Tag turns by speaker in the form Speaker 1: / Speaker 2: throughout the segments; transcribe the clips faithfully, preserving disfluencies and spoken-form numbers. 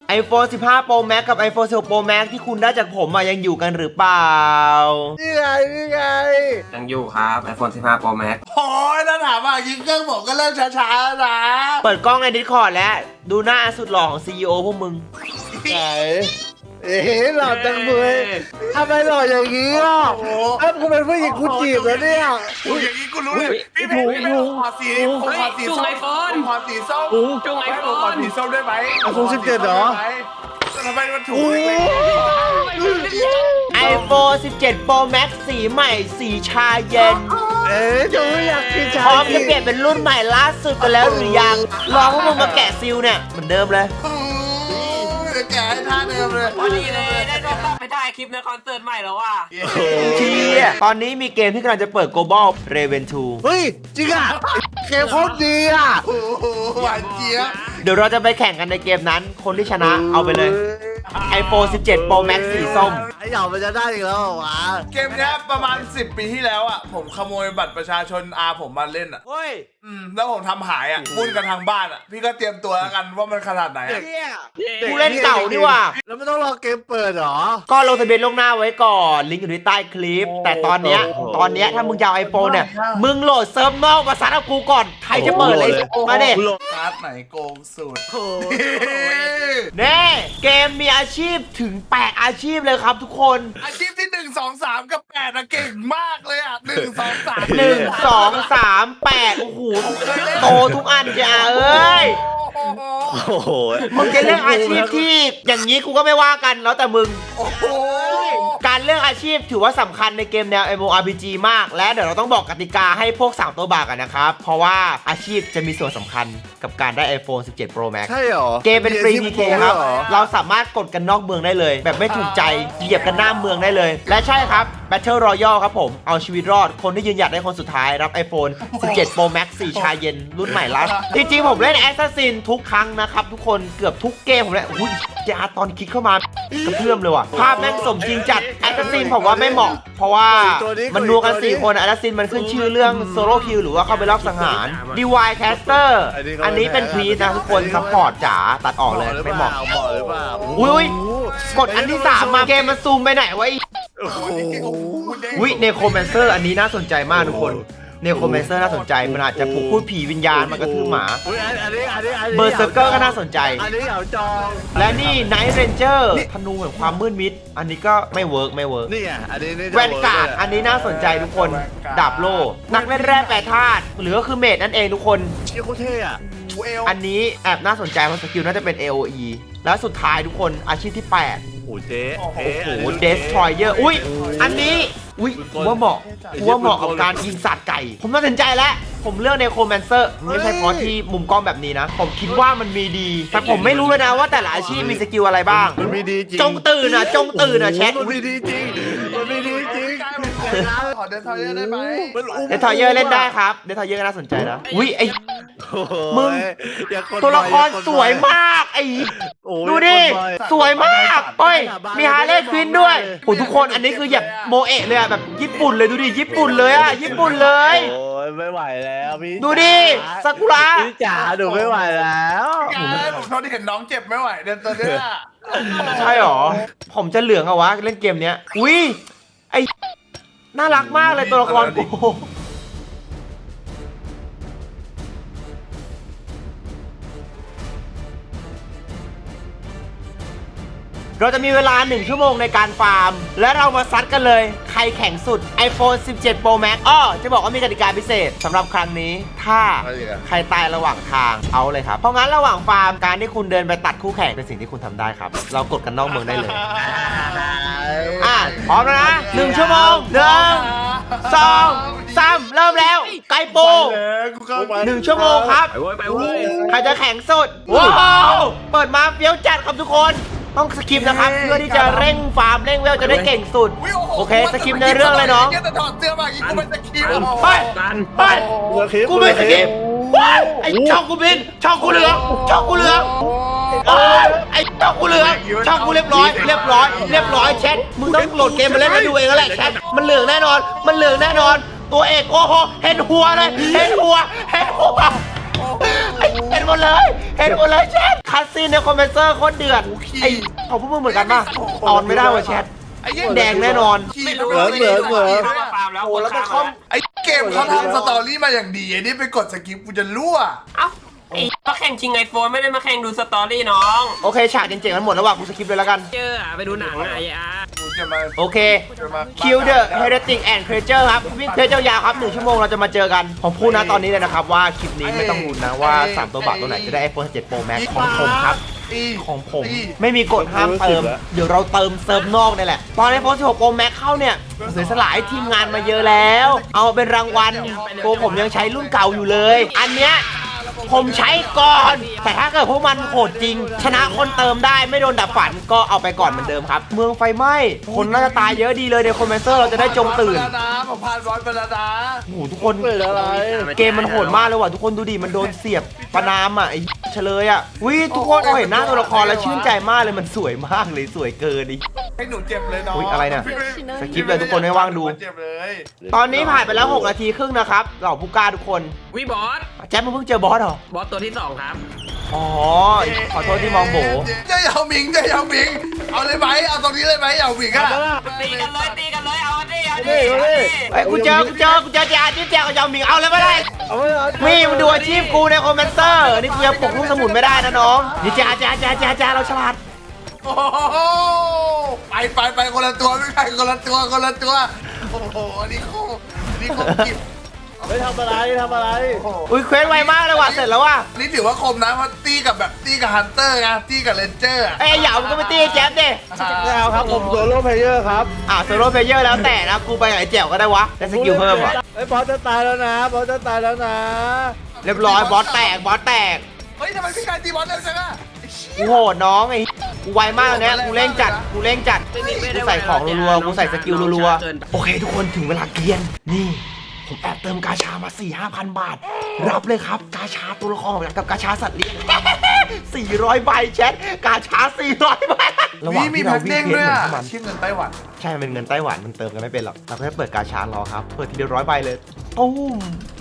Speaker 1: iPhone สิบห้า Pro Max กับ iPhone สิบหก Pro Max ที่คุณได้จากผมอะยังอยู่กันหรือเปล่า
Speaker 2: นี่ไงนี่ไง
Speaker 3: ยังอยู่ครับ iPhone สิบห้า Pro Max
Speaker 2: โอ้ยถ้าถามว่ายิงเครื่องผมก็เริ่มช้าๆนะ
Speaker 1: เปิดกล้องใน Discord แล้วดูหน้าสุดหล่อของ ซี อี โอ พวกมึง
Speaker 2: ไหนเอ๊ะหล่อจังเลยทำไมหล่ออย่างนี้อ่ะเอ้ากูเป็นผู้หญิงกูจีบแล้วเนี่ยกูอย่างนี้กูรู้เลยพี่เพชรพี่เพชรขอสีขอสีส้มขอสีส้ม
Speaker 3: จุงไอโฟน
Speaker 2: ขอสีส้มได้ไหมไอโฟนสิบเจ็ดเหรอทำไมมันถูก
Speaker 1: iPhone สิบเจ็ด Pro Max สีใหม่สีชาเย็น
Speaker 2: เอ๊ะจะไม่อยากกินชา
Speaker 1: พร้อมจะเปลี่ยนเป็นรุ่นใหม่ล่าสุดกันแล้วหรือยังลองพวกมึงมาแกะซิลเนี่ยเหมือนเดิมเลย
Speaker 2: แกะให้ท่าเดิมเลย
Speaker 3: พอดีเลยได้โดนรับไปได้คลิปในคอนเสิร์ตใหม่แล้วว่ะ
Speaker 1: เชี่ยตอนนี้มีเกมที่กำลังจะเปิด Global Raven ทู
Speaker 2: เฮ้ยจริงอ่ะเกมโคตรดีอ่ะหวานเจี๊ยบ
Speaker 1: เดี๋ยวเราจะไปแข่งกันในเกมนั้นคนที่ชนะเอาไปเลย iPhone สิบเจ็ด Pro Max สีส้ม
Speaker 2: ไอ้เหยามันจะได้อีกแล้ววะเกมนี้ประมาณสิบปีที่แล้วอ่ะผมขโมยบัตรประชาชนอาผมมาเล่นอ่ะ
Speaker 1: เฮ้ย
Speaker 2: อืมแล้วผมทำหายอ่ะบุญกันทางบ้านอ่ะพี่ก็เตรียมตัวแล้วกันว่ามันขนาดไหน
Speaker 1: กูเล่นเก่าดีว่ะ
Speaker 2: แล้วไม่ต้องรอเกมเปิดหรอ
Speaker 1: ก็ลงทะเบียนล่วงหน้าไว้ก่อนลิงก์อยู่ที่ใต้คลิปแต่ตอนเนี้ยตอนเนี้ยถ้ามึงจะเอาไอโฟนเนี่ยมึงโหลดเซิร์ฟนอกมาซัดกับกูก่อนใครจะเปิดเลยมาเด็
Speaker 2: ซัดไหนโกงสุด
Speaker 1: เน่เกมมีอาชีพถึงแปดอาชีพเลยครับทุกคน
Speaker 2: อาชีพที่หนึ่งสองสามกับแปดอะเก่งมากเลยอะหนึ่งสองสาม
Speaker 1: หนึ่งสองสามแปดโอ้โหโตทุกอันจ้ะเอ้ยโอ้โหมึงจะเลือกอาชีพที่อย่างนี้กูก็ไม่ว่ากันแล้วแต่มึงการเลือกอาชีพถือว่าสำคัญในเกมแนว เอ็ม โอ อาร์ พี จี มากและเดี๋ยวเราต้องบอกกติกาให้พวกสามตัวบากกันนะครับเพราะว่าอาชีพจะมีส่วนสำคัญกับการได้ iPhone สิบเจ็ด Pro Max
Speaker 2: ใช่หรอ
Speaker 1: เกมเป็นฟรี พี เค ครับเราสามารถกดกันนอกเมืองได้เลยแบบไม่ถูกใจเหยียบกันหน้าเมืองได้เลยและใช่ครับ Battle Royale ครับผมเอาชีวิตรอดคนที่ยืนหยัดได้คนสุดท้ายรับ iPhone สิบเจ็ด Pro Max สีชาเย็นรุ่นใหม่ล่าสุดจริงๆผมเล่น Assassin ทุกครั้งนะครับทุกคนเกือบทุกเกมผมเลยอุ้ยยาตอนคลิกเข้ามากระเพื่อมเลยว่ะภาพแม่งสมจริงจัด Assassin ผมว่าไม่เหมาะเพราะว่ามันนัวกันสี่คน Assassin มันขึ้นชื่อเรื่อง Solo Kill หรือว่าเข้าไปรอบสังหาร ดี วาย Caster อันนี้เป็นพรีซนะทุกคนซัพพอร์ตจ๋าตัดออกเลยไม่เหมาะอุ้ยกดอันที่สามมาเกมมันซูมไปไหนวะอุ้ยเนโครแมนเซอร์อันนี้น่าสนใจมากทุกคนเนโครแมนเซอร์น่าสนใจมันอาจจะปลุกพูดผีวิญญาณมากระทืบหมาเบอร์เซอร์เกอร์ก็น่าสนใจและนี่ไนท์เรนเจอร์ธนูแห่งความมืดมิดอันนี้ก็ไม่เวิร์กไม่เวิร์ก
Speaker 2: นี่อ่ะอันนี้
Speaker 1: แวนการ์ดอันนี้น่าสนใจทุกคนดาบโล่นักเล่นแร่แปรธาตุหรือก็คือเมดนั่นเองทุกคน
Speaker 2: โคตรเท่อะ
Speaker 1: อันนี้แอบน่าสนใจเพราะสกิลน่าจะเป็น เอ โอ อี แล้วสุดท้ายทุกคนอาชีพที่แปด
Speaker 2: โอ้เจ๊
Speaker 1: โอ้โหเดสทรอยเยอร์อุ้ยอันนี้อุ้ยว่าเหมาะว่าเหมาะกับการยิงสัตว์ไก่ผมตัดสินใจแล้วผมเลือกเนโครแมนเซอร์ไม่ใช่เพราะที่มุมกล้องแบบนี้นะผมคิดว่ามันมีดีแต่ผมไม่รู้เลยนะว่าแต่ละอาชีพมีสกิลอะไรบ้าง
Speaker 2: มันมีดีจริง
Speaker 1: จงตื่นนะจงตื่นนะแชท
Speaker 2: มันมีดีจริงมันมีดีจริงขอเดสทรอยเยอร์ได้ไหม
Speaker 1: เดสทรอยเยอร์เล่นได้ครับเดสทรอยเยอร์น่าสนใจนะอุ้ยไอมึงตัวละครสวยมากไอ้ดูดิสวยมากเฮ้ยมีฮาร์เลย์ควินด้วยโอ้ทุกคนอันนี้คือแบบโมเอะเลยอะแบบญี่ปุ่นเลยดูดิญี่ปุ่นเลยอะญี่ปุ่นเลย
Speaker 2: โอ้ยไม่ไหวแล้วพี่
Speaker 1: ดูดิซากุระ
Speaker 2: พี่จ๋าดูไม่ไหวแล้วผมเท่าที่เห็นน้องเจ็บไม่ไหวเดินตัวเนี้ย
Speaker 1: ใช่หรอผมจะเหลืองเอาวะเล่นเกมเนี้ยอุ้ยไอน่ารักมากเลยตัวละครกูเราจะมีเวลาหนึ่งชั่วโมงในการฟาร์มและเรามาซัดกันเลยใครแข่งสุด iPhone สิบเจ็ด Pro Max อ้อจะบอกว่ามีกติกาพิเศษสำหรับครั้งนี้ถ้าใครตายระหว่างทางเอาเลยครับเพราะงั้นระหว่างฟาร์มการที่คุณเดินไปตัดคู่แข่งเป็นสิ่งที่คุณทำได้ครับเรากดกันนอกเมืองได้เลยอ่ะพร้อมแล้วนะหนึ่งชั่วโมงหนึ่งสองสามเริ่มแล้วไกโปหนึ่งชั่วโมงครับใครจะแข่งสุดว้าวเปิดมาเฟี้ยวจัดครับทุกคนต้องสกิปนะครับเพื่อที่จะเร่งฟาร์มเร่งเวลจะได้เก่งสุดโอเคสกิปในเรื่องเลยน้องไปไปกูไม่สกิปไอช่องกูบินช่องกูเหลืองช่องกูเหลืองไอช่องกูเหลืองช่องกูเรียบร้อยเรียบร้อยเรียบร้อยแชทมึงต้องโหลดเกมมาเล่นมาดูเองแล้วแหละแชทมันเหลืองแน่นอนมันเหลืองแน่นอนตัวเอกโอ้โหเห็นหัวเลยเห็นหัวเห็นหัวไอเห็นหมดเลยเห็นหมดเลยแชทคัสซีนในคอมเมนเซอร์โคตรเดือดไอ้ของพวกมึงเหมือนกันป่ะตอนไม่ได้ว่ะแชทแดงแน่นอน
Speaker 3: ไม่รู้ว่าไม่รู้ว่าฟาร์มแล้ว
Speaker 1: โอ้แล้วก็คอม
Speaker 2: ไอ้เกมเขาทำสตอรี่มาอย่างดีไอ้นี่ไปกดสกิปกูจะรั่ว
Speaker 3: เอ้าไอ้มาแข่งชิงไอโฟนไม่ได้มาแข่งดูสตอรี่น้อง
Speaker 1: โอเคฉากเจ๋งๆกันหมดแล้วว่ะกูสกิปเลยแล้วกัน
Speaker 3: เจออะไปดูหนังอะไอ้อา
Speaker 2: กูจะมา
Speaker 1: โอเค
Speaker 2: จะมา
Speaker 1: Kill the Heretic and Creature ครับวิ่งเทสยาวๆครับหนึ่งชั่วโมงเราจะมาเจอกันผมพูดนะตอนนี้เลยนะครับว่าคลิปนี้ไม่ต้องลุ้นนะว่าสามตัวบาทตัวไหนจะได้ ไอโฟน สิบเจ็ด โปรแม็กซ์ ของผมครับ ของผมไม่มีกฎห้ามเติม เดี๋ยวเราเติมเซิร์ฟนอกนี่แหละ ตอน ไอโฟน สิบหก โปรแม็กซ์ เข้าเนี่ยเสียสละให้ทีมงานมาเยอะแล้ว เอาเป็นรางวัลตัวผมยังใช้รุ่นเก่าอยู่เลย อันเนี้ยผมใช้ก่อน แต่ถ้าเกิดพวกมันโหดจริง ชนะคนเติมได้ไม่โดนดับฝันก็เอาไปก่อนเหมือนเดิมครับ เมืองไฟไหม้คนน่าจะตายเยอะดีเลยในคอมเมนเซอร์เราจะได้จงตื่น
Speaker 2: ผมผ่านร้อยไปแล้วนะ
Speaker 1: โอ้โหทุกคนเกมมันโหดมากเลยว่ะทุกคนดูดิมันโดนเสียบประนามอ่ะไอ้เฉลยอ่ะวิทุกคนเราเห็นหน้าตัวละครแล้วชื่นใจมากเลยมันสวยมากเลยสวยเกินดิ
Speaker 2: ให้หนูเจ็บเลยน้อง
Speaker 1: อุ๊ยอะไรเนี่ย สกิปเลยทุกคนไม่ว่างดู
Speaker 2: เจ็บเลย
Speaker 1: ตอนนี้ผ่านไปแล้วหกนาทีครึ่งนะครับเหล่าผู้กล้าทุกคน
Speaker 3: วิบอส
Speaker 1: แจ๊บมึงเพิ่งเจอบอสเหรอบ
Speaker 3: อสตัวที่สองครับ
Speaker 1: อ๋อขอโทษที่มองโบ
Speaker 2: จะยาวหมิงจะยาวหมิงเอาเลยไหมเอาตรงนี้เลยไหมยาวหมิงอะ
Speaker 3: ตีกันเลยตีกันเลยเอาดิเอาดิ
Speaker 1: ไอ้ยกูเจอกูเจอกูเจอเจ้าจิ๊บแจวกับยาวหมิงเอาเลยไม่ได้
Speaker 2: เอาไว้เอา
Speaker 1: มีมันดูอาชีพกูในคอมเมนเซอร์นี่กูยังปลุกลูกสมุนไม่ได้นะน้องนี่จ้าจ้าจ้าจ้าจ้าเราฉลาด
Speaker 2: โอ้โหไปไปไปคนละตัวไม่ใช่คนละตัวคนละตัวโอ้โหอันนี้โคอันนี้โคกิบ
Speaker 4: ไม่ทำอะไรทำอะไร
Speaker 1: อุ้ยเควสไวมากเลยว่ะเสร็จแล้วว่ะ
Speaker 2: นี่ถือว่าคมนะเพราะตีกับแบบตีกับฮันเตอร์ไงตีกับเรนเจอร์อะ
Speaker 1: ไอ้หยาบมึงก็ไปตีไอ้แจ๊บดิ
Speaker 4: ไม่เอาครับผมโซโล่เพลเยอร์ครับ
Speaker 1: อ่าโซโล่เพลเยอร์แล้วแต่นะกูไปกับไอ้แจ๋วก็ได้วะได้สกิลเพิ่มอ่ะ
Speaker 4: ไอ้บอสจะตายแล้วนะบอสจะตายแล้วนะ
Speaker 1: เรียบร้อยบอสแตกบอสแตก
Speaker 2: เฮ้ยทำไมพี่กายตีบอลเร็วจังอะไอ้เชี่
Speaker 1: กู
Speaker 2: ย
Speaker 1: โหดน้องไอ้กูไวมากเลยเนี่ยกูเร่งจัดกูเร่งจัดกูใส่ของรัวๆกูใส่สกิลรัวๆโอเคทุกคนถึงเวลาเกียนนี่ผมแอบเติมกาชามา สี่ห้าพัน บาท รับเลยครับกาชาตัวละครกับกาชาสัตว์เลี้ยง สี่ร้อยใบแชทกาชาสี่ร้อยใบระหว่าง
Speaker 2: นี่มี
Speaker 1: ที่
Speaker 2: แพ็
Speaker 1: เรา
Speaker 2: ค
Speaker 1: วิ่
Speaker 2: เด้
Speaker 1: ง
Speaker 2: ง
Speaker 1: เคว
Speaker 2: ด้วย
Speaker 1: สเหมือน
Speaker 2: อะ
Speaker 1: พวกมัน
Speaker 2: ชื่อเงินไต้หวัน
Speaker 1: ใช่มันเป็นเงินไต้หวันมันเติมกันไม่เป็นหรอกเราก็แค่เปิดกาชารอครับเปิดทีเดียวร้อยใบเลยตุ้ม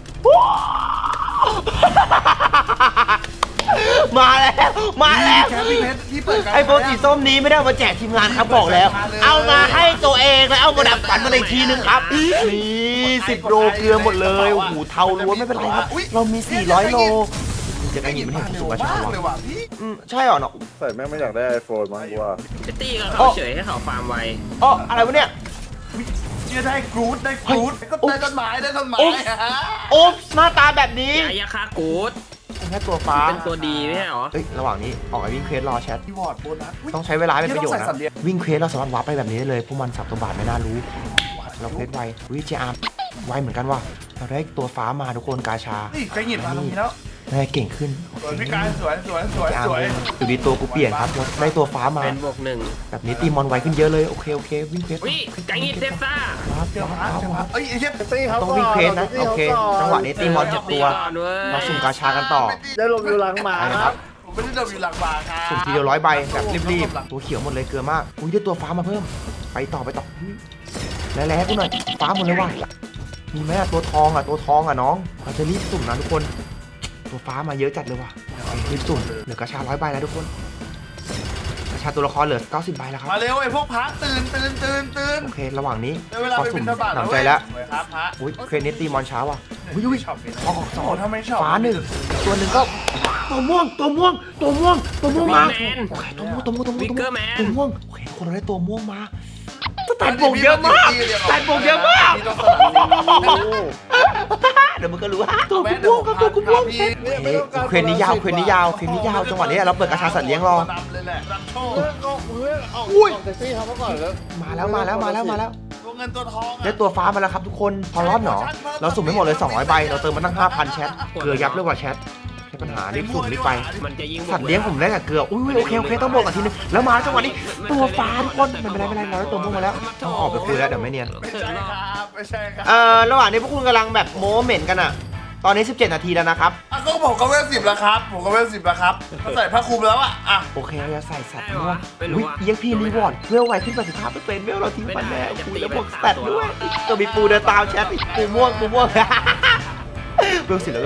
Speaker 1: มาแล้วมาแล้ว
Speaker 2: แคปปี้เพชรที่เปิดการ
Speaker 1: ไอโฟนสีส้มนี้ไม่ได้เอามาแจกทีมงานครับบอกแล้ว เอามาให้ตัวเองแล้วเอามาดับฝันมาอีกทีนึงครับนี่สิบโลเกลือหมดเลยโอ้โหเทาล้วนไม่เป็นไรครับเรามีสี่ร้อยโลจะได้หยิบมันเห็นผมสูงกว่าชาว
Speaker 2: เลยว่ะพี่
Speaker 1: อืมใช่เหรอเนาะ
Speaker 4: ใส่แม่งไม่อยากได้ไอโฟนมั้งกูว่า
Speaker 3: จะตีกับเขาเฉยให้เขาฟาร์มไว
Speaker 1: อ๋ออะไรวะเนี่ย
Speaker 2: เชื่อได้กรูดได้กรูดก็ได้ต้นไม้ได้ต้นไม้
Speaker 1: โอ๊บหน้าตาแบบนี้
Speaker 3: ยายาคากูด
Speaker 1: แค่ตัวฟ้า
Speaker 3: เป็นตัวดีไม่ใช่หรอ
Speaker 1: เอ้ยระหว่างนี้ออกไปวิ่งเควสรอแชท
Speaker 2: ที่วอร์ดโบนัส
Speaker 1: ต้องใช้เวลาให้เป็นประโยชน์
Speaker 2: ต้องใส่สัตว์เลี้ย
Speaker 1: นะ
Speaker 2: ง
Speaker 1: วิ่งเควสเราสามารถวาร์ปไปแบบนี้ได้เลยพวกมันสับตัวบาทไม่น่ารู้เราเควสไววิจอาร์ไวเหมือนกันว่ะเราได้ตัวฟ้ามาทุกคนกาชา
Speaker 2: นี่ใครหยิบมาตรงนี้แล้ว
Speaker 1: ได้เก่งขึ้น
Speaker 2: สวยพี่กายสวยสวยสวย
Speaker 1: จา
Speaker 2: สวย
Speaker 1: อยู่ดีตัวกูเปลี่ยนครับได้ตัวฟ้ามา
Speaker 3: เป็นบวกหนึ่ง
Speaker 1: แบบนี้ตีมอนไวขึ้นเยอะเลยโอเคโอเควิ่งเควส
Speaker 3: วิไก่งิดเทปซ่า
Speaker 1: ว้าว
Speaker 2: เจ้าพระ
Speaker 1: ว้าว
Speaker 2: เจ้าพ
Speaker 1: ว้า
Speaker 2: ระ
Speaker 1: ว
Speaker 2: เอ้ยไอ้เชี่ย
Speaker 4: ตีเขา
Speaker 1: ต้อง
Speaker 4: ก่อน
Speaker 1: วิ่งเควสนะ
Speaker 4: ตี
Speaker 1: โอ
Speaker 4: ขา
Speaker 1: เค
Speaker 4: ก่
Speaker 1: จังหวะนี้ตีมอนเจ็บตัว
Speaker 3: ก่อนเว้ย
Speaker 1: เราสุ่มกาชากันต่อ
Speaker 4: ได้ลมอยู่หลังหมา
Speaker 1: ไปนะ
Speaker 4: ค
Speaker 1: ค
Speaker 4: รั
Speaker 1: รั
Speaker 4: บบ
Speaker 2: ผมไม่ได้ดมอยู่หลังบาร์ครับ
Speaker 1: สุ่มทีเดียวร้อยใบแบบรีบๆตัวเขียวหมดเลยเกลือมากอุ้ยได้ตัวฟ้ามาเพิ่มไปต่อไปต่อแล้วแล้วกูหน่อยฟ้าหมดเลยว่ะมีไหมอะตัวทองอะตัวทองอะน้องเราจะรีบสุ่มนะทุกคนตัวฟ้ามาเยอะจัดเลยว่ะรีบสุ่มเหลือกาชาร้อยใบแล้วทุกคนกาชาตัวละครเหลือเก้าสิบใบแล้วครับ
Speaker 2: มาเร็วไอ้พวกพระตื่นตื่นตื่นตื่น
Speaker 1: โอเค ระหว่างนี้
Speaker 2: ได้เวลา
Speaker 1: ขอ
Speaker 2: ไป
Speaker 1: สุ่
Speaker 2: บิ
Speaker 1: ม
Speaker 2: นทบาท
Speaker 1: หนำใจแล้ว
Speaker 2: สวยครับพระ
Speaker 1: อุ้ยเครนิตตีมอนเช้าว่ะอุ้ยอุ้ย
Speaker 2: ชอบเป็น
Speaker 1: ออกสอง
Speaker 2: โอ้ทำไมชอบ
Speaker 1: ฟ้าหนึ่งตัวหนึ่งก็ตัวม่วงตัวม่วงตัวม่วงตัวม่วงมา
Speaker 3: แมน
Speaker 1: โอเคตัวม่วงตัวม่วงตัวม่วง
Speaker 3: วิกเกอร์แมน
Speaker 1: ตัวม่วงโอเคคนเราได้ตัวม่วงมาสแตนบวกเยอะมากสแตนบวกเยอะมาก
Speaker 2: มีตัวสลับสิ
Speaker 1: เดี๋ยวมึงก็รู้ฮะตัวกูม่วงครับตัวกูม่วงเฮ้ยเครนนี้ยาวเครนนี้ยาวเครนนี้ยาวจังหวะนี้เราเปิดกระชาสัตว์เลี้ยงรอ
Speaker 2: นำเลยแหละนำโชค
Speaker 4: เพื่อนก็เพื่อนเอา
Speaker 1: อุ้ย
Speaker 4: ออกจากตีเขามาก่อนแล้ว
Speaker 1: มาแล้วมาแล้วมาแล้วมาแล้ว
Speaker 2: ตัวเงินตัวทองอะ
Speaker 1: ได้ตัวฟ้ามาแล้วครับทุกคนพอรอดหนอเราสุ่มไม่หมดเลยสองร้อยใบเราเติมมาตั้งห้าพันแชทเกลือยับเลยกว่าแชทใช่ปัญหารีบสุ่มรีบไป
Speaker 3: มันจะยิง
Speaker 1: สัตว์เลี้ยงผมได้กับเกลือ อุ้ยโอเคโอเคต้องบอกกันทีนึง แล้วมาจังหวะนี้ตัวฟ้าทุกคนไม่เป็นไรไม่เป็นไรเราได้ตัวม่วงมาแล้วต้องออกไปคุยแล้วเดี๋ยวไม่เนียน
Speaker 2: ไม่ใช่ครับไม่ใช่ครับ
Speaker 1: เอ่อระหว่างนี้พวกคุณกำลังแบบโม้เหม็นกันอะตอนนี้สิบเจ็ดนาทีแล้วนะครับ
Speaker 2: อ่ะก็ผมก็เวลสิบแล้วครับผมก็เวลสิบแล้วครับเขาใส่ผ้าคลุมแล้วอ่ะอ่ะ
Speaker 1: โอเคเราจะใส่สัตว์ม่วง
Speaker 3: ไม่
Speaker 1: อุ้
Speaker 3: รู้
Speaker 1: ย
Speaker 3: อ่ะ
Speaker 1: เอียกพีรีวอร์ดเวลไวขึ้นแปดสิบห้าเปอร์เซ็นต์เวลเราทิ้งฟันแล้วคุยแล้วบวกสแตทด้วยตัวมีปูเดินตามแชทปูม่วงปูม่วง เวลสิบแล้วเวลสิบแล้วโอเค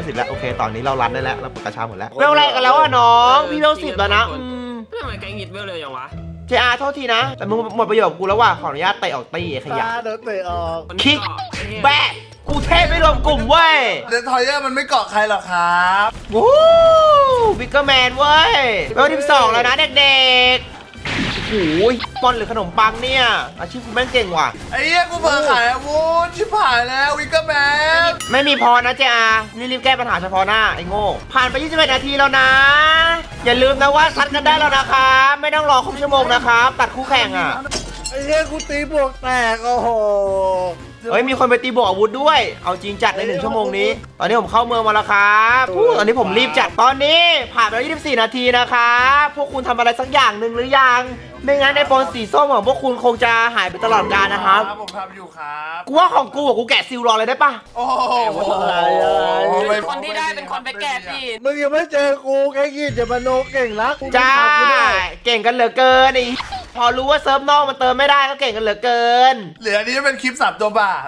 Speaker 1: เคตอนนี้เรารันได้แล้วเรากระชับหมดแล้วเวลอะไรกันแล้วอ่ะน้องพี่เวลสิบแล้วนะอืม
Speaker 3: ทำไมแกงหิดเวลเลยอย่างวะ
Speaker 1: เจอาโทษทีนะแต่มึงหมดประโยชน์กับกูแล้วว่ะขออนุญาตเตะออกตีไอ้ขยะ
Speaker 4: ตาเดินเตะออก
Speaker 1: คิกแบะกูเทพไม่รวมกลุ่มเว้ย
Speaker 2: เดนทอยเยอร์มันไม่เกาะใครหรอกครับ
Speaker 1: วู้บิ๊กเกอร์แมนเว้ยเวลที่สองแล้วนะเด็กๆโอ้ยปอนหรือขนมปังเนี่ยอาชีพกูแม่งเก่งว่ะ
Speaker 2: ไอ้เหี้ยกูเพิ่งขายอาวุธชิบหายแล้ววิกเกอร์แมน
Speaker 1: ไม่มีพอนะเจอานี่รีบแก้ปัญหาเฉพาะหน้าไอ้โง่ผ่านไปยี่สิบเอ็ดนาทีแล้วนะ อย่าลืมนะว่าซัดกันได้แล้วนะครับไม่ต้องรอครบชั่วโมงนะครับตัดคู่แข่งอ่ะ
Speaker 4: ไอ้เหี้ยกูตีบวกแตกโอ้โห
Speaker 1: เฮ้ยมีคนไปตีบวกอาวุธด้วยเอาจริงจัดในหนึ่งชั่วโมงนี้ตอนนี้ผมเข้าเมืองมาแล้วครับอู้ตอนนี้ผมรีบจัดตอนนี้ผ่านไปแล้วยี่สิบสี่นาทีนะครับพวกคุณทำอะไรสักอย่างหนึ่งหรือยังไม่งั้นไอโฟนสีส้มของพวกคุณคงจะหายไปตลอดกาลนะครับ
Speaker 2: ผมทำอยู่ครับ
Speaker 1: กูว่าของกูอะกูแกะซิลรอเลยได้ปะ
Speaker 2: โอ้โห
Speaker 3: คนที่ได้เป็นคนไปแกะพี่
Speaker 4: มึงยังไม่เจอกูแค่ยี่จะมาโนเก่งรักกู
Speaker 1: จ้า
Speaker 4: ทำกูด้วย
Speaker 1: เก่งกันเหลือเกินไอ้พอรู้ว่าเซิร์ฟนอกมันเติมไม่ได้ก็เก่งกันเหลือเกิน
Speaker 2: เหลืออันนี้เป็นคลิปสามตัวบาท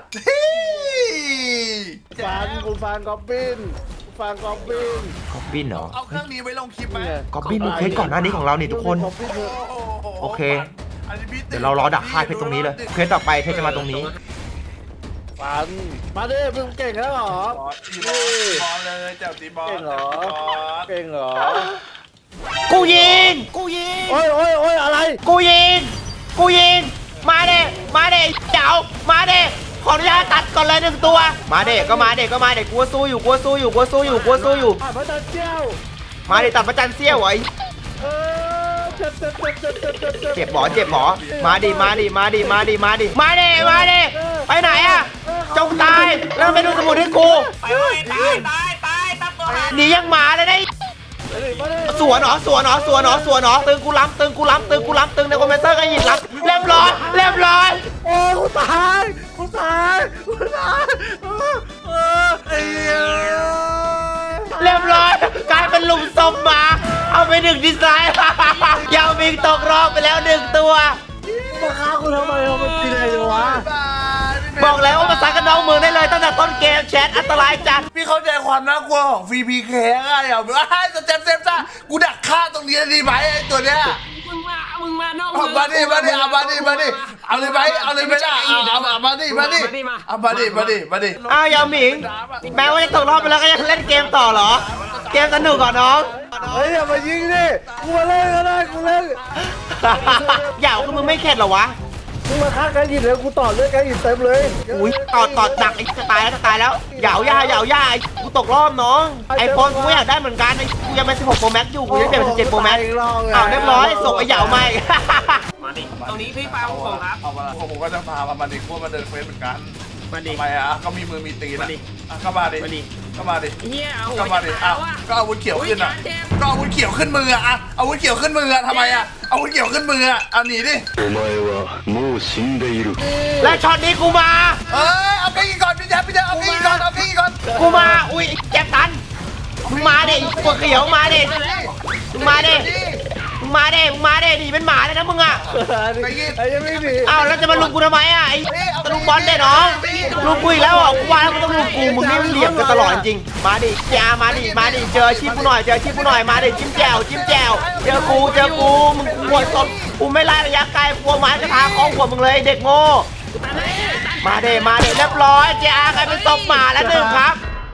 Speaker 4: ฟันกูฟันกอบบินกูฟันกอบบิน
Speaker 1: กอบบินเหรอ
Speaker 2: เอาเครื่องนี้ไว้ลงคลิปไหม
Speaker 1: กอบบินมึงเคสก่อนหน้านี้ของเรานี่ทุกคน
Speaker 4: กอบบินเถอะ
Speaker 1: โอเค
Speaker 2: อันนี้พี่
Speaker 1: เดี๋ยวเรารอดักค่ายเพชรตรงนี้เลยเพชรต่อไปเพชรจะมาตรงนี้
Speaker 4: ฟันมาดิมึงเก่งแล้วเหรอ
Speaker 2: บอสตีบอสบอสเลยเจ้าตีบอส
Speaker 4: เก่งเหรอ
Speaker 2: เก่ง
Speaker 4: เก่งเหรอ
Speaker 1: กูยิงกูยิง
Speaker 4: โอ้ยโอ้ยโอ้ยอะไร
Speaker 1: กูยิงกูยิงมาเด้มาเด้เจ๋ามาเด้ขออนุญาตตัดก่อนเลยหนึ่งตัวมาเด้ก็มาเด้ก็มาเด้กูสู้อยู่กูสู้อยู่กูสู้อยู่กูสู้อยู่
Speaker 4: อ่ะพระจันทร์เจ้า
Speaker 1: มาเด้ตัดประจันเสี้ยวไอ้
Speaker 4: เออเจ็บเจ็บเจ็บเจ็บเจ็บเจ็บเจ็บ
Speaker 1: เจ็บหมอเจ็บหมอมาดิมาดิมาดิมาดิมาดิมาดิมาดิไปไหนอะจงตายแล้วไปดูสมุดให้กู
Speaker 3: ไปเว้ยตายตายตายตับตัวหัน
Speaker 1: หนียังหมาเลยได้
Speaker 4: มาดิ
Speaker 1: สวนเหรอสวนเหรอสวนเหรอสวนเหรอตึงกูล้ำตึงกูล้ำตึงกูล้ำตึงในคอมเมนเตอร์ก็หยิบล้ำเรียบร้อยเรียบร้อย
Speaker 4: โอ้กูตายกูตายกูตายเออเออไอ้เหี้ย
Speaker 1: เรียบร้อยกลายเป็นหลุมศพหมาเอาไปหนึ่งดีไซน์ ยาวมิงตกรอบไปแล้วหนึ่งตัว
Speaker 4: มาฆ่ากูทำไมเอามันตีอะไรวะ
Speaker 1: บอกแล้วว่ามาซักกันน้องเมืองได้เลยตั้งแต่ต้นเกมแชทอันตรายจัด
Speaker 2: พี่เข้าใจความน่ากลัวของฟรีพีเคอะอย่าแบบว่าสเต็ปเซฟจ้ากูดักฆ่าตรงนี้ดีไหมไอ้ตัวเนี้ย
Speaker 3: มึงมามึงมานอก
Speaker 2: เอามาดิมาดิเอามาดิมาดิเอาเลยไหมเอาเลยไหมล่ะเอาเอาเอามาดิมาดิเอามาดิมาดิมาดิ
Speaker 1: อ้าวยาวหมิงแม้ว่าจะตกรอบไปแล้วก็ยังเล่นเกมต่อเหรอ เกมสนุกก่อนน้อง
Speaker 4: เฮ้ยอย่ามายิงดิกูมาเล่นก็ได้กูเล่น
Speaker 1: อย่าคือมึงไม่เข็ดเหรอวะ
Speaker 4: มึงมาฆ่ากันหินเลยกูต่อเลือดกันหินเต็มเลย
Speaker 1: อุ้ยต่อต่อดักไอ้จะตายแล้วจะตายแล้วเหยาย่าเหยาย่าไอ้กูตกรอบน้องไอโฟนกูอยากได้เหมือนกันไอ้กูยังเป็นสิบหกโปรแม็กอยู่กูยังเปลี่ยนเป็นสิบเจ็ดโปรแม็กอ้าวเรียบร้อยส่งไอ้เหยาใหม่
Speaker 3: มาดิตรงนี้พี่ปาของผมครับ
Speaker 2: เอามาผมก็จะพามามาดิพวกมาเดินเฟซเหมือนกัน
Speaker 3: มาดิ
Speaker 2: ทำไมอ่ะก็มีมือมีตีน
Speaker 3: มา
Speaker 2: อ่ะ
Speaker 3: ดิ
Speaker 2: อ่ะก็มาดิ
Speaker 3: มาดิ
Speaker 2: ก็มาดิ
Speaker 3: เฮียเอาหั
Speaker 2: ก็
Speaker 3: ว
Speaker 2: มา
Speaker 3: จะ
Speaker 2: ดิ
Speaker 3: ขา
Speaker 2: อ่ะ
Speaker 3: วอ่ะ
Speaker 2: ก็อาวุธเขียวขึ้นอ่ะ
Speaker 3: อุ๊ยจานเจ็บ
Speaker 2: ก็อาวุธเขียวขึ้นมืออ่ะอ่ะอาวุธเขียวขึ้นมืออ่ะทำไมอ่ะอาวุธเขียวขึ้นมืออ่ะเอาหนีดิ
Speaker 5: お前はもう死んでいる。
Speaker 1: และช็อตนี้กูมา
Speaker 2: เอ้ยเอาเก้าอี้ก่อนพี่แจ๊บพี่แจ๊บเอาเก้าอี้ก่อนเอาเก้าอี้ก่อน
Speaker 1: กูมา อุ้ยแจ็บตันมึงมาเด็ปวดเขียวมาเด็มึงมาเด็มึงมาเด็มึงมาเด็หนีเป็นหมาเลยนะมึงอ่ะ
Speaker 4: ไอ้ยังไม่ดี
Speaker 1: อ้าวแล้วจะมาลุมกูทำไมอ่ะไอ้ตะลุมบอลเด็ดน้องลุมกูอีกแล้วอ่ะกูว่าแล้วมึงต้องลุมกูมึงนี่มันเหลี่ยมกันตลอดจริงๆมาดิจ้ามาดิมาดิเจออาชีพกูหน่อยเจออาชีพกูหน่อยมาดิจิ้มแจวจิ้มแจวเจอกูเจอกูมึงกลัวสดกูไม่ไล่ระยะไกลกลัวไม้กระทาคล้องหัวมึงเลยเด็กโง่มาเดมาเดเรียบร้อยเจ้ากลายเป็นศพหมาแล้วหนึ่งครับ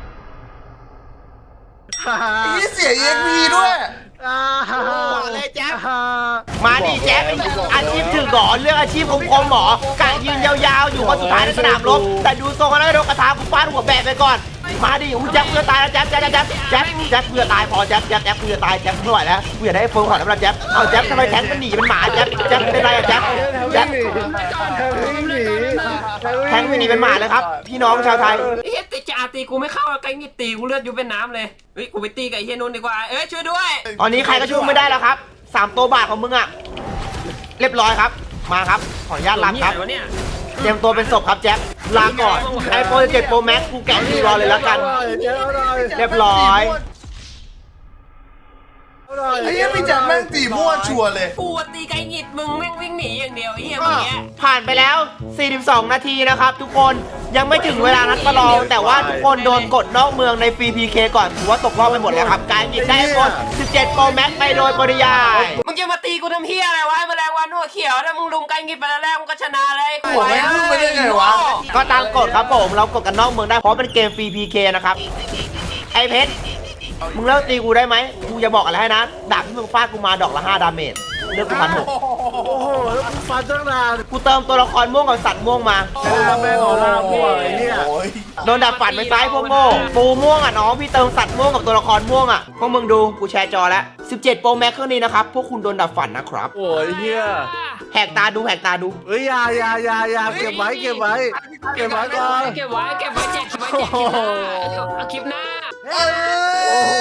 Speaker 2: นี่เสียเอ็กพีด้วย
Speaker 1: เลยแจ๊บมาดิแจ๊บอาชีพถือหงอนเรื่องอาชีพของคมหมอกะยืนยาวๆอยู่คนสุดท้ายในสนามรบแต่ดูทรงแล้วโดนกระทากูฟาดหัวแบะไปก่อนมาดิอู้แจ๊บเพื่อตายแล้วแจ๊บแจ๊บแจ๊บแจ๊บแจ๊บเพื่อตายพอแจ๊บแจ๊บแจ๊บเพื่อตายแจ๊บไม่ไหวแล้วกูอยากได้โฟมขอน้ำลายแจ๊บเอาแจ๊บทำไมแทงมันหนีเป็นหมาแจ๊บแจ๊บเป็นไรอะแจ๊บแจ๊บ
Speaker 4: วิ่งหนี
Speaker 1: แทงไม่หนีเป็นหมาเลยครับพี่น้องชาวไทย
Speaker 3: เฮียตีจ่าตีกูไม่เข้าไกลนี่ตีกูเลือดยุบเป็นน้ำเลยเฮ้ยกูไปตีกับไอ้เฮียนุ่นดีกว่าเอ้ยช่วยด้วย
Speaker 1: ตอนนี้ใครก็ช่วยไม่ได้แล้วครับสามตัวบาทของมึงอะเรียบร้อยครับมาครับขออนุญาตลาครับ
Speaker 3: วะเนี่ย
Speaker 1: เตรียมตัวเป็นศพครับแจ็คลาก่อนไอโฟนเจ็ด Pro Max กูแกะทีรอเลยแล้วกัน เรียบร้อย
Speaker 2: ไอ้
Speaker 4: ไอ้
Speaker 2: เหี้
Speaker 4: เหี้
Speaker 2: ย
Speaker 4: ย
Speaker 2: พี่
Speaker 4: พี่
Speaker 2: แจ็
Speaker 4: แจ็
Speaker 2: ค
Speaker 4: ค
Speaker 2: แม่
Speaker 4: แม่
Speaker 2: ง
Speaker 4: ง
Speaker 2: ตี
Speaker 4: ตี
Speaker 2: มั่
Speaker 4: มั่
Speaker 2: ว
Speaker 4: ว
Speaker 2: ชั
Speaker 4: ชั
Speaker 2: ว
Speaker 4: ว
Speaker 2: ร์
Speaker 4: ร์
Speaker 2: เล
Speaker 4: เลย ย
Speaker 3: กูตีไก่หงิดมึงแม่งวิ่งหนีอย่างเดียวไอ้เหี้ยเมื่อกี้
Speaker 1: ผ่านไปแล้ว สี่สิบสอง นาทีนะครับ ทุกคนยังไม่ถึงเวลานัดประลองแต่ว่าทุกคนโดนกดนอกเมืองในฟรี พี เค ก่อนถือว่าตกรอบไปหมดแล้วครับ การหยิบได้คนสิบเจ็ด Pro Max ไปโดยปริยาย
Speaker 3: มึงจะมาตีกูทำเฮียอะไรวะแมลงวันหัวเขียวถ้ามึงลุมไก่หงิดไปแล้วแรกมึงก็ชนะเลย
Speaker 4: โอ้ยมึงไปได้ไงวะ
Speaker 1: ก็ตามกฎครับผมเรากดกันนอกเมืองได้เพราะเป็นเกมฟรี พี เค นะครับไอเพชรมึงเลิกตีกูได้ไหมกูจะบอกอะไรให้นะดาบที่มึงฟาดกูมาดอกละห้าดาเมจเลือกกูพันหก
Speaker 2: โอ้โหแล้วมึงฟันตั้งนาน
Speaker 1: กูเติมตัวละครม่วงกับสัตว์ม่วงมา
Speaker 2: แม่งแม่งออร่ามั่วไอ้เหี้ย
Speaker 4: โอ้ย
Speaker 1: โดนดับฝันไปซ้ายพวกโง่ปูม่วงอ่ะน้องพี่เติมสัตว์ม่วงกับตัวละครม่วงอ่ะพวกมึงดูกูแชร์จอแล้วสิบเจ็ด Pro Max เครื่องนี้นะครับพวกคุณโดนดับฝันนะครับ
Speaker 2: โอ้ยเหี้ย
Speaker 1: แหกตาดูแหกตาดู
Speaker 2: เฮ้ยอยาอยาอยาอยาเก็บไว้เก็บไว้เก็บไว้ก่อน
Speaker 3: เก็บไว้เก็บไว้แจกคลิปไว้แจกคลิปหน้าเอาคลิปหน้า
Speaker 2: โอ้โห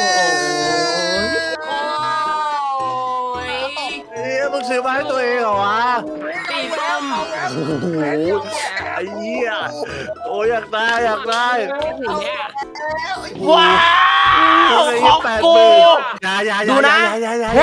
Speaker 3: โอ้ย
Speaker 2: เฮ้ยมึงซื้อมาให้ตัวเองเหรอวะ
Speaker 3: ตีส้ม
Speaker 2: โอ้โหไอ้เหี้ยโอ้ยอยากได้อยากได้
Speaker 3: เนี่ย
Speaker 1: ว้าวของกู
Speaker 2: อยาอยา
Speaker 1: ดูนะ
Speaker 2: อยาอยา
Speaker 1: แฮ่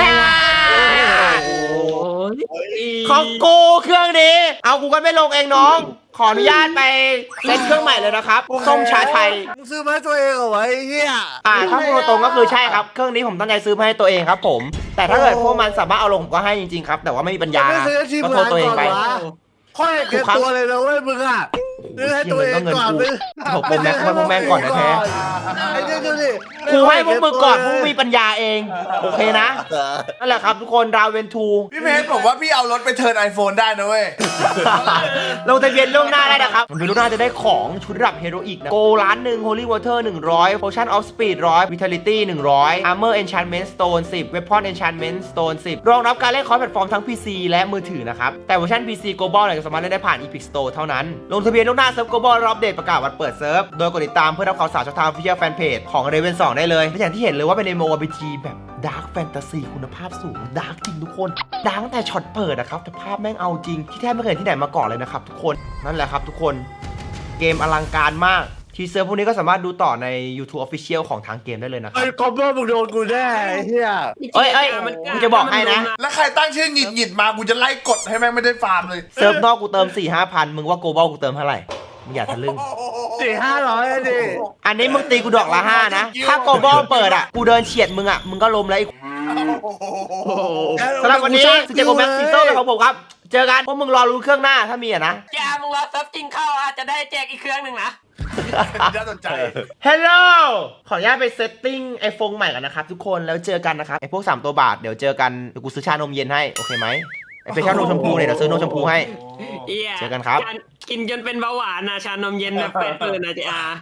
Speaker 3: โอ้ย
Speaker 1: ของกูเครื่องนี้ เอากูก็ไม่ลงเองน้อง ขออนุญาตไปเซ็ตเครื่องใหม่เลยนะครับส้มชาไทย
Speaker 2: มึงซื้อมาให้ตัวเองเหรอวะไอ้เหี้ย
Speaker 1: อ่าถ้าพูดตรงๆก็คือใช่ครับ เครื่องนี้ผมตั้งใจซื้อมาให้ตัวเองครับผม แต่ถ้าเกิดพวกมันสามารถเอาลงผมก็ให้จริงๆครับ แต่ว่าไม่มีปัญญา
Speaker 2: ไม่ซื้อให้ทีม
Speaker 1: ก็โท
Speaker 2: งา
Speaker 1: ษ
Speaker 2: น
Speaker 1: ตัวเอ
Speaker 2: ก่
Speaker 1: ง
Speaker 2: อน
Speaker 1: ไป
Speaker 2: วะค่อยเก็บตัวเลยนะเว้ยมึงอ่ะซื้อให้ตัวเองก่อนซื้อ
Speaker 1: โถเป็นแม็กซ์พวกแม่งก่อนนะแท้
Speaker 2: ไอ้เนี่ยดูดิ
Speaker 1: กูให้พวกมึงก่อนพวกมึงมีปัญญาเอง โอเคนะ นั่นแหละครับทุกคนดาวเวนทู
Speaker 4: พี่เพชรผมว่าพี่เอารถไปเทิร์นไอโฟนได้นะเว้ย
Speaker 1: ลงทะเบียนล่วงหน้าได้นะครับลงทะเบียนล่วงหน้าจะได้ของชุดระดับเฮโรอีกนะโกล้านหนึ่ง Holy Water หนึ่งร้อย Potion of Speed หนึ่งร้อย Vitality หนึ่งร้อย Armor Enchantment Stone สิบ Weapon Enchantment Stone สิบ รองรับการเล่นคอร์สแพลตฟอร์มทั้ง พี ซี และมือถือนะครับ แต่เวอร์ชัน พี ซี Global เนี่ยจะสามารถเล่นได้ผ่าน Epic Store เท่านั้น ลงทะเบียนล่วงหน้าเซิร์ฟ Global รอบอัปเดตประกาศวันเปิดเซิร์ฟ โดยกดติดตามเพื่อรับข่าวสารช่องทาง Official Fanpage ของ Raven สองได้เลยและอย่างที่เห็นเลยว่าเป็น เอ็ม โอ อาร์ พี จี แบบ Dark Fantasy คุณภาพสูง Dark จริงทุกคน Dark ตั้งแต่ช็อตเปิดนะครับแต่ภาพแม่งเอาจริงที่แทบไม่เคยเห็นที่ไหนมาก่อนเลยนะครับทุกคนนั่นแหละครับทุกคนเกมอลังการมากทีเซอร์พวกนี้ก็สามารถดูต่อใน YouTube Official ของทางเกมได้เลยนะครั
Speaker 2: ไอ้
Speaker 1: บ
Speaker 2: คอมโบมึงโดนกูแน่ไอ้เหี้ย
Speaker 1: เอ้ยเอ้ยกูจะบอกให้นะ
Speaker 4: แล้วใครตั้งชื่อหงิดหงิดมากูจะไล่กดให้แม่งไม่ได้ฟาร์มเลย
Speaker 1: เซิร์ฟนอกกูเติม สี่ห้าพันมึงว่า Global กูเติมเท่าไหร่มึงอย่าทะลึ่ง
Speaker 2: สี่ห้าร้อยดิ
Speaker 1: อันนี้มึงตีกูดอกละห้านะถ้า Global เปิดอ่ะกูเดินเฉียดมึงอ่ะมึงก็ล้มแล้วไอ้สำหรับวันนี้สิบเจ็ด Pro Max ซีโซ่เป็นของผมครับเจอกันพวกมึงรอรู้เครื่องหน้าถ้ามีอ่ะนะ
Speaker 3: อย่ามึงรอซับจริงเข้าอาจจะได้แจกอีกเครื่องหนึ่งนะ
Speaker 4: น่าสนใจ
Speaker 1: ฮัลโหลขออนุญาตไปเซตติ้งไอโฟนใหม่กันนะครับทุกคนแล้วเจอกันนะครับไอพวกสามตัวบาทเดี๋ยวเจอกันเดี๋ยวกูซื้อชานมเย็นให้โอเคไหมไอเป็นชานมชมพูเนี่ยเดี๋ยวซื้อนมชมพูให้
Speaker 3: เหี้ย
Speaker 1: เจอกันครับ
Speaker 3: กินจนเป็นเบาหวานนะชานมเย็นแบบเปิดเปิดนะจ๊ะ